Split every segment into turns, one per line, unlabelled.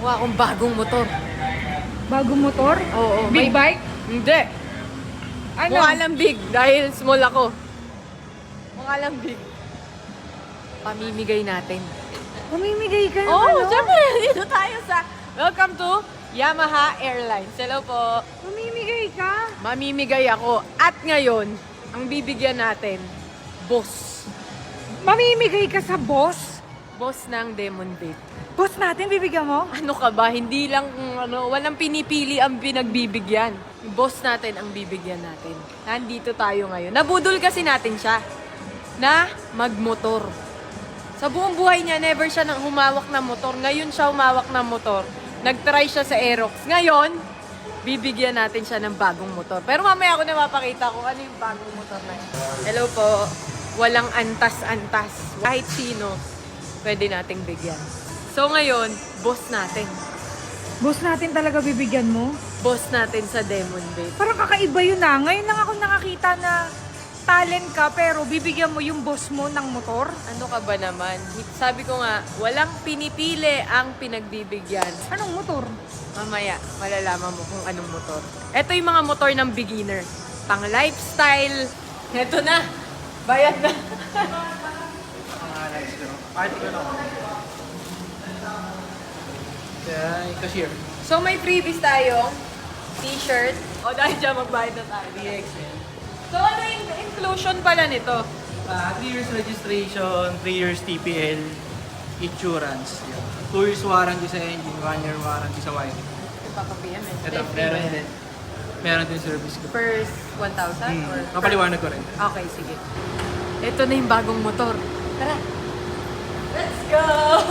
Mukha akong bagong motor.
Bagong motor?
Oo.
Big bike?
Hindi.
Ano?
Mukha lang big dahil small ako. Mukha lang big. Pamimigay natin.
Pamimigay ka
Oo,
naman, no?
syempre. Dito tayo sa Welcome to Yamaha Airlines. Hello po.
Pamimigay ka?
Mamimigay ako. At ngayon, ang bibigyan natin, boss.
Mamimigay ka sa boss?
Boss ng Demon Babe.
Boss natin, bibigyan mo?
Ano ka ba? Hindi lang, walang pinipili ang pinagbibigyan. Yung boss natin ang bibigyan natin. Nandito tayo ngayon. Nabudol kasi natin siya na magmotor. Sa buong buhay niya, never siya nang humawak ng motor. Ngayon siya humawak ng motor. Nag-try siya sa Aerox. Ngayon, bibigyan natin siya ng bagong motor. Pero mamaya ako na mapakita kung ano yung bagong motor na yun. Hello po. Walang antas-antas. Kahit sino, pwede nating bigyan. So ngayon, boss natin.
Boss natin talaga bibigyan mo?
Boss natin sa Demon Babe.
Parang kakaiba yun na. Ngayon lang ako nakakita na talent ka pero bibigyan mo yung boss mo ng motor?
Ano ka ba naman? Sabi ko nga, walang pinipili ang pinagbibigyan.
Anong motor?
Mamaya, malalaman mo kung anong motor. Ito yung mga motor ng beginner. Pang lifestyle. Ito na. Bayad na.
Cashier.
So may freebies tayong t-shirt. O dahil dyan magbayad na tayo.
DXL.
So ano yung inclusion pala nito?
3 years registration, 3 years TPL, insurance. 2 years warranty sa engine, 1 year warranty sa wiring.
Ipapapiyam eh.
Ito,
May free
meron
ba yan?
din. Meron din service ko.
First 1,000 or?
Kapaliwanag ko rin.
Okay, sige. Ito na yung bagong motor. Tara. Let's go!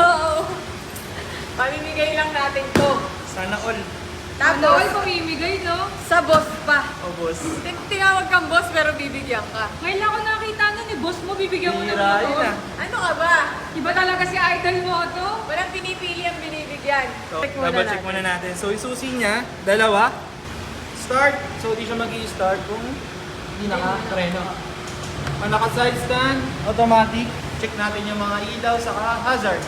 Pamimigay lang natin to.
Sana all.
Tapos,
pamimigay, no?
sa boss pa.
O boss.
Tinawag kang boss pero bibigyan ka.
Ngayon lang ako nakita nun eh. Boss mo, bibigyan mo ng
Bira yun
motor.
ah.
Ano ka ba?
Iba talaga si idol mo to.
Walang pinipili ang binibigyan.
So,
Check muna
double check
natin.
muna natin. So, yung susi niya, dalawa. Start. So, di siya mag-i-start kung hindi naka-preno. Ang naka-side stand, automatic. Check natin yung mga ilaw, saka hazard.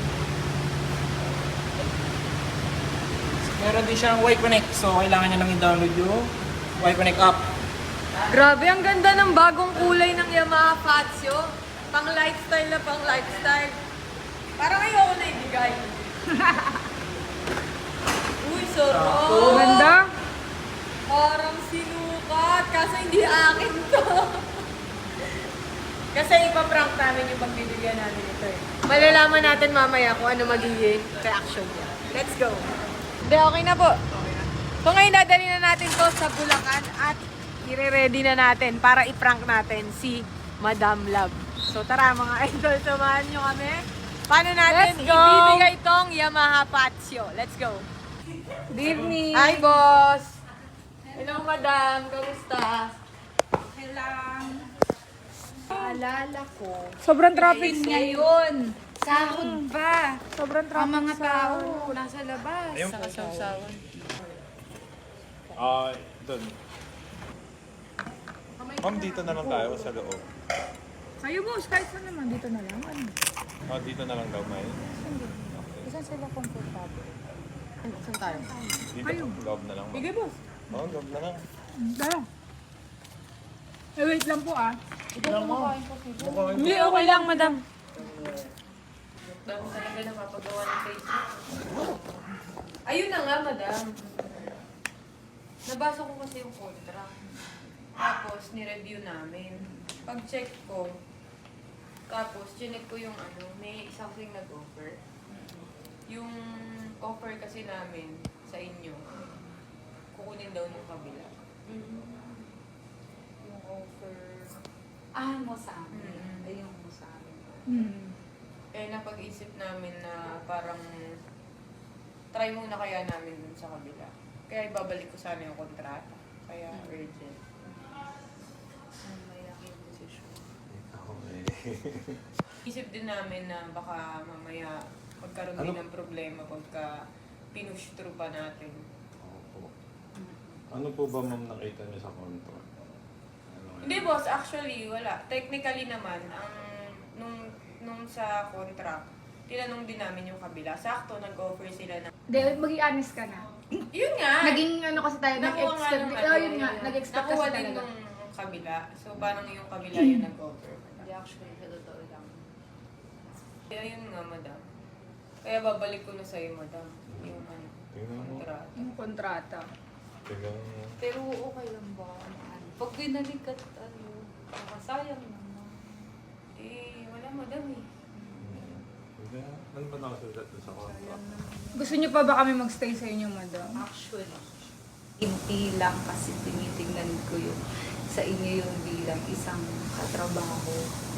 Meron din siyang Y-Connect. So, kailangan niya lang i-download yung Y-Connect app.
Grabe, ang ganda ng bagong kulay ng Yamaha Fazio. Pang lifestyle na pang lifestyle. Parang ayoko na ibigay. Uy, sarap.
Ganda.
Parang sinukat. Kaso hindi akin to. Kasi ipaprank namin yung pagbibigyan namin ito eh. Malalaman natin mamaya kung ano magiging reaction niya. Let's go. Hindi, okay na po. So ngayon dadali na natin to sa Bulacan at ire-ready na natin para i-prank natin si Madam Love. So tara mga idol, samahan nyo kami. Paano natin
Let's go!
ibibigay tong Yamaha Fazio? Let's go.
Good evening.
Hi, boss! Hello, madam. Kamusta?
Paalala ko,
Sobrang traffic
ngayon, sahod
ba? Sobrang
ang
traffic
mga
sa...
tao nasa labas.
Sa kasawsawan.
Doon. Ma'am, dito na lang tayo sa loob.
Kayo boss, kahit saan naman. Dito na lang. Ano?
Dito na lang daw, May.
Saan sila comfortable?
Saan tayo?
Dito, loob na lang. ma'am.
Sige, boss.
Loob na lang.
Dala. Eh, wait lang po ah.
Hindi, okay lang, madam. Dami talaga napapagawa ng Facebook. Ayun na nga, madam. Nabasa ko kasi yung contract. Tapos, ni-review namin. Pag-check ko, tapos, chinek ko yung ano, may something nag-offer. Yung offer kasi namin sa inyo, kukunin daw ng kabila. Yung offer...
Mo sa amin. Ayun mo sa amin.
Eh, napag-isip namin na parang try muna kaya namin dun sa kabila. Kaya ibabalik ko sana yung kontrata. Kaya urgent. May aking decision. Isip din namin na baka mamaya magkaroon din ng problema pagka pinush through pa natin.
Opo. Ano po ba, ma'am, nakita niyo sa contract?
Hindi boss, actually wala. Technically naman, ang nung sa contract, tinanong din namin yung kabila. Sakto, nag-offer sila ng...
Hindi, maging honest ka na.
Yun nga!
Naging ano kasi tayo,
Nakuha nga
nag-expect.
nung
Oh, yun nga,
yun.
nag-expect
Nakuha
kasi
din
talaga.
nung kabila. So, parang yung kabila yung nag-offer.
Hindi actually, sa totoo lang.
Kaya yun nga, madam. Kaya babalik ko na sa'yo, madam. Yung ano,
Tingnan mo.
kontrata.
Yung kontrata.
Tingnan mo.
Pero okay lang ba? Pag binalik at nakasayang naman.
Eh, wala, madam eh.
Hindi. Ano ba nakasulat doon sa contract?
Gusto niyo pa ba kami magstay sa inyo, madam?
Actually, hindi lang kasi tinitingnan ko yung sa inyo yung bilang isang katrabaho.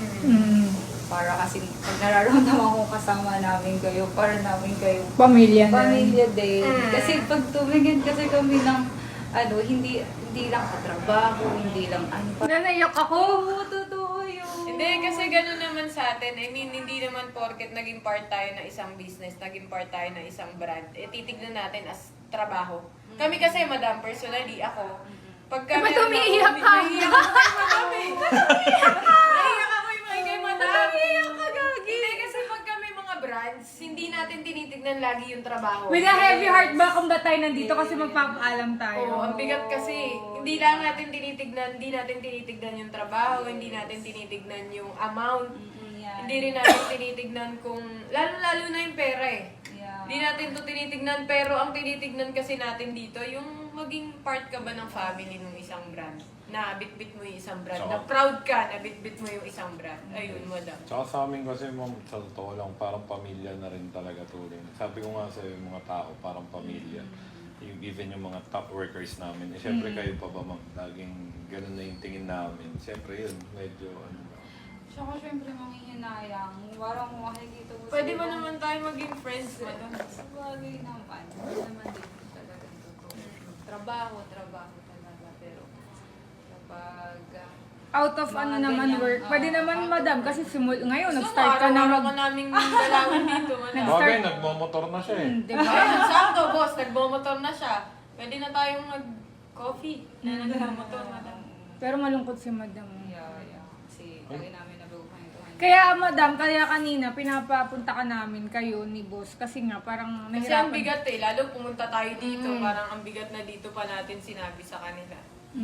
Para kasi pag nararamdaman ko kasama namin kayo, para namin kayo
Pamilya na.
pamilya din.
Mm.
Kasi pag tumingin kasi kami ng hindi lang katrabaho, hindi lang ano pa.
Nanaiyak ako.
Oo, totoo yun.
Hindi, kasi gano'n naman sa atin. I mean, hindi naman porket naging part tayo ng isang business, naging part tayo ng isang brand, eh titignan natin as trabaho. Kami kasi, madam, personally, ako, pagka...
Ba't
meron
umiiyak
ako-
ka?
Umiiyak ako kay madam eh. Naiiyak ako yung kay madam.
Umiiyak ka, Gagi.
Hindi, kasi pag kami mga brands, hindi natin tinitignan lagi yung trabaho.
With a heavy heart ba kung ba't tayo nandito kasi magpapaalam tayo?
Oo, ang bigat kasi. Hindi lang natin tinitignan yung trabaho, hindi natin tinitignan yung amount.
Yeah.
Hindi rin natin tinitignan kung, lalo-lalo na yung pera eh.
Yeah.
Hindi natin to tinitignan, pero ang tinitignan kasi natin dito, yung maging part ka ba ng family ng isang brand. Na bit-bit mo yung isang brand. Na
Tsaka-
proud ka na bit-bit mo yung isang brand. Ayun, madam.
Tsaka sa amin kasi, ma'am, sa totoo lang, parang pamilya na rin talaga tuloy. Sabi ko nga sa yung mga tao, parang pamilya. Yung, even yung mga top workers namin. Eh, syempre kayo pa ba, ma'am? Laging ganun na yung tingin namin. Syempre yun, medyo ano ba.
Tsaka syempre manghihinayang. Parang makikita mo
Pwede ba
sila-
naman tayo maging friends, madam?
Sa bagay naman. Hindi naman din talaga totoo. Trabaho talaga. Pero kapag
Out of
Mga
ano naman
ganyan,
work. Pwede
oo,
naman,
out of
madam,
work.
kasi ngayon,
Gusto
nag-start
mo,
ka na
araw-araw ka naming dalawin dito, madam.
Bagay, nagmamotor na siya eh.
Di ba?
Ayun, sakto, boss. Nagbomotor na siya. Pwede na tayong mag-coffee na nagbomotor, madam.
Pero malungkot si madam.
yeah. Kasi lagi namin nabubuhay ito.
Kaya madam, kaya kanina pinapapunta ka namin kayo ni boss kasi nga parang
Kasi ang
nahirapan.
bigat eh. Lalo pumunta tayo dito, parang ang bigat na dito pa natin sinabi sa kanila.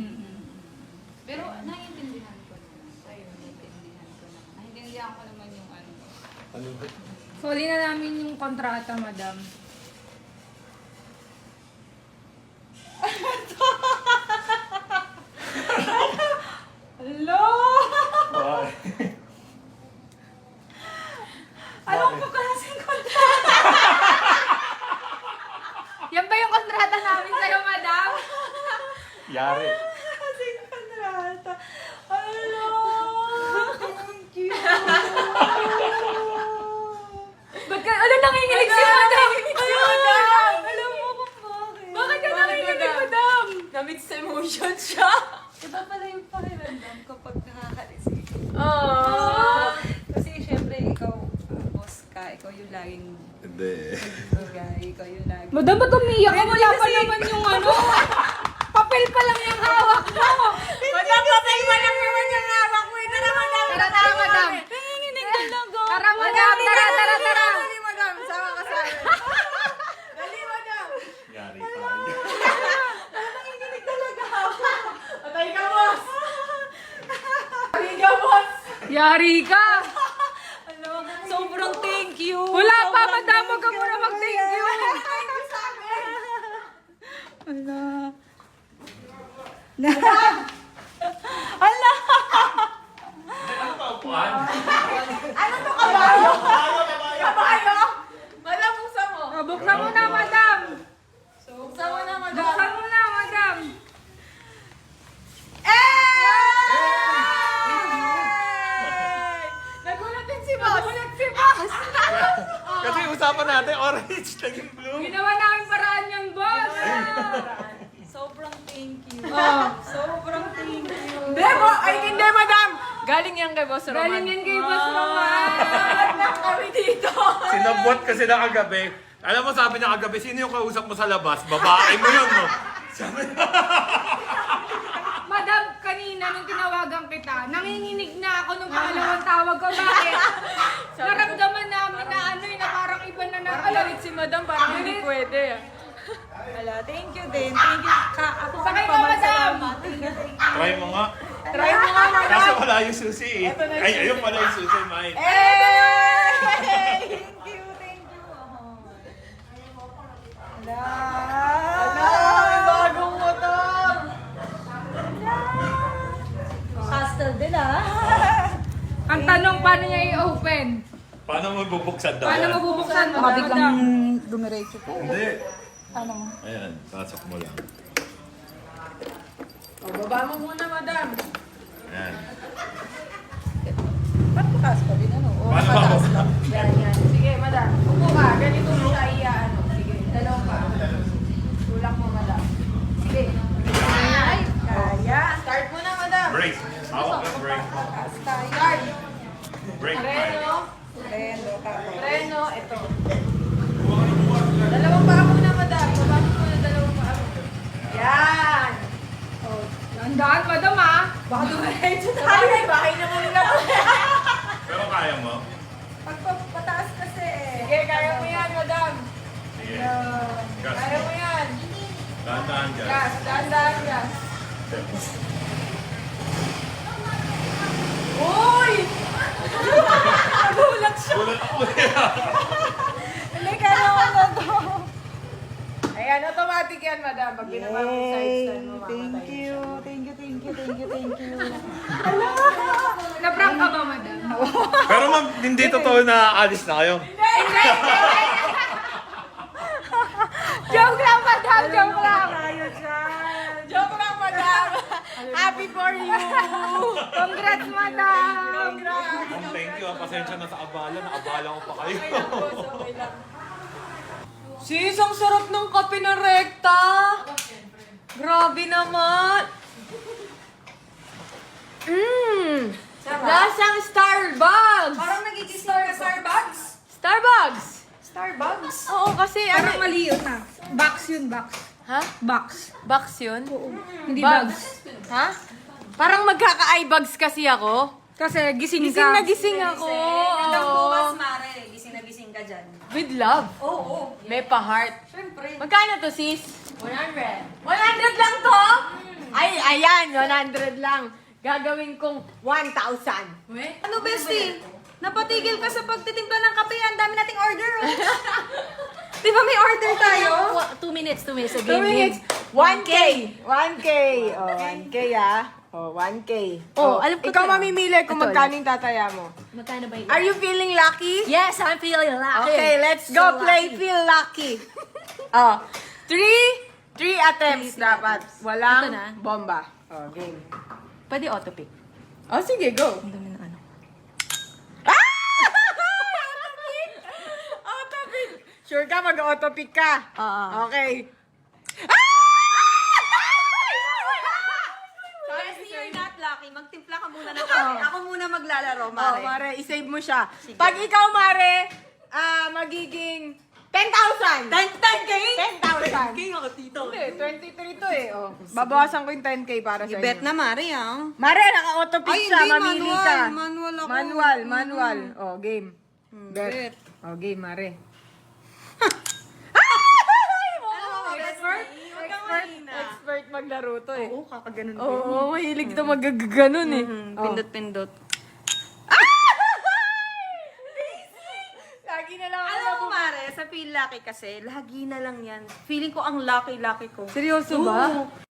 Pero naiintindihan ko naman.
Ayun.
Naiintindihan ko naman yung ano.
Ano ba?
Soli na namin yung kontrata, madam.
Hello!
Bakit?
Alam ko klaseng kontrata. Yan ba yung kontrata namin sa'yo, madam?
Yari.
Klaseng kontrata. Hello! Thank you. Ba't ka, nanginginig si madam? Madam! Alam mo kung bakit. Bakit ka nanginginig, madam?
Na-mix emotion siya.
Iba pala yung pakiramdam kapag nakaka-receive.
Aww.
Kasi syempre ikaw, boss ka, ikaw yung laging
Hindi.
bagay, ikaw yung laging...
Madam, ba't umiyak ka? Wala pa naman yung ano. Papel pa lang yung hawak mo.
Madam, patay mo lang naman yung hawak mo. Tara, madam.
Tara, madam.
Nanginginig talaga.
Tara, madam. Tara.
Dali, madam. Sama ka sa amin. Dali, madam.
Yari tayo.
Patay ka, boss. Patay ka, boss.
Yari ka.
Sobrang thank you!
Wala pa, madam. Huwag ka muna mag-thank you.
Thank you sa amin.
Ano ba upuan?
Ano to, kabayo? Kabayo? Madam, buksan mo.
Buksan mo na, madam.
Buksan mo na, madam.
Buksan mo na, madam.
Nagulat din si boss. Nagulat si boss.
Kasi usapan natin, orange, naging blue.
Ginawa namin paraan yan, boss.
Sobrang thank you.
Oh.
Sobrang thank you.
Debo, ay hindi, madam. Galing yan kay Boss Roman.
Galing yan kay Boss Roman.
Nag kami dito.
Sinabot kasi na kagabi. Alam mo, sabi niya kagabi, sino yung kausap mo sa labas? Babae mo yun, no? Sabi
Madam, kanina nung tinawagan kita, nanginginig na ako nung pangalawang tawag ko. Bakit? Naramdaman namin na ano, na na
Parang galit si madam, parang hindi pwede.
Wala, thank you din. Thank you. Ako
Sakay ka, madam!
Try mo nga.
Try mo nga, madam.
Kaso wala yung susi eh. Ay, ayun pala yung susi, mine.
Thank you, thank you.
Ay, bagong motor!
Hostel din ah.
Ang tanong, paano niya i-open?
Paano mo bubuksan daw
Paano
yan?
mabubuksan?
Baka
Madam?
biglang dumiretso ko.
Hindi.
Ano mo?
Ayan, pasok mo lang.
O, baba mo muna, madam.
Ayan.
Ba't mataas pa din ano? O,
Paano
mataas
mo?
lang.
Yan, yan. Sige, madam. Upo ka. Ganito mo siya ano. Sige, dalawang pa. Tulak mo, madam. Sige. Ay, kaya. Start mo na, madam.
Break. Hawak ng break.
Start.
Break.
Preno.
Prendo, tapos.
Preno. Ito. Dalawang paa muna, madam. Baba mo muna dalawang paa mo. Yan.
Tandaan, madam ah.
Baka dumiretso tayo. Bahay na muna.
Pero kaya mo?
Pag pataas kasi eh.
Sige, kaya mo yan, madam.
Sige. Gas.
Kaya mo yan.
Dahan-dahan dyan.
Gas. Dahan-dahan gas. Uy! Nagulat siya.
Ulat ako
Hindi, kaya naman na to.
Ayan, automatic yan, madam. Pag binaba mo yung side stand mo, mamatay
Thank
na
you,
siya.
thank you, thank you, thank you, thank you.
Na-prank ka ba, madam?
Pero ma'am, hindi totoo na alis na kayo.
Joke lang, madam. Joke lang.
Joke lang, madam. Happy for you.
Congrats, madam.
Congrats.
Thank you, pasensya na sa abala. Naabala ko pa kayo.
Okay lang, boss. Okay lang. Sis, ang sarap ng kape na rekta. Grabe naman. Lasang Starbucks.
Parang nagigising ka Starbucks?
Starbucks.
Starbucks?
Oo, kasi
Parang mali yun ah. Box yun, box.
Ha?
Box.
Box yun?
Hindi
Bugs.
bags.
Ha? Parang magkaka-eye-bags kasi ako.
Kasi gising
Gising
ka.
na gising ako.
Hanggang bukas, Mare. Gising na gising ka dyan.
With love.
Oo.
May pa-heart.
Siyempre.
Magkano to, sis? 100. 100 lang to? Ay, ayan, 100 lang. Gagawin kong 1,000.
Ano, bestie? Napatigil ka sa pagtitimpla ng kape. Ang dami nating order. Oh. Di ba may order tayo?
2 minutes.
2 minutes. 1K. 1K. Oh, 1K ah. Oh, 1K.
Oh, alam ko
ikaw
to.
mamimili kung
Ito,
magkano yung tataya mo.
Magkano ba yun?
Are you feeling lucky?
Yes, I'm feeling lucky.
Okay, let's go
So
play
lucky.
Feel Lucky. Oh, 3 attempts dapat. Walang
Ito na.
bomba. Oh, game.
Pwede auto-pick.
Oh, sige, go.
Ang dami ng ano.
Autopic! Sure ka mag-autopic ka?
Oo.
Okay.
Bestie, you're not lucky. Magtimpla ka muna ng kape. Ako muna maglalaro,
Mare. Mare, isave mo siya. Pag ikaw, Mare, magiging 10,000.
10K?
10,000.
King ako, tito.
Hindi, 23 to eh. Oh. Babawasan ko yung 10K para sa
I-bet
inyo.
na, Mare, ah.
Mare, naka-autopic
Ay,
siya.
hindi,
Mamili
manual.
ka.
Manual ako.
Manual. Oh, game. Bet.
bet.
Oh, game, Mare. Expert maglaro to eh.
Oo, kakaganon ko.
Oo, mahilig to magaganon eh. Oh.
Pindot-pindot.
Lagi na lang ako
Alam mo, Mare, sa feel lucky kasi, lagi na lang yan. Feeling ko ang lucky-lucky ko.
Seryoso ba?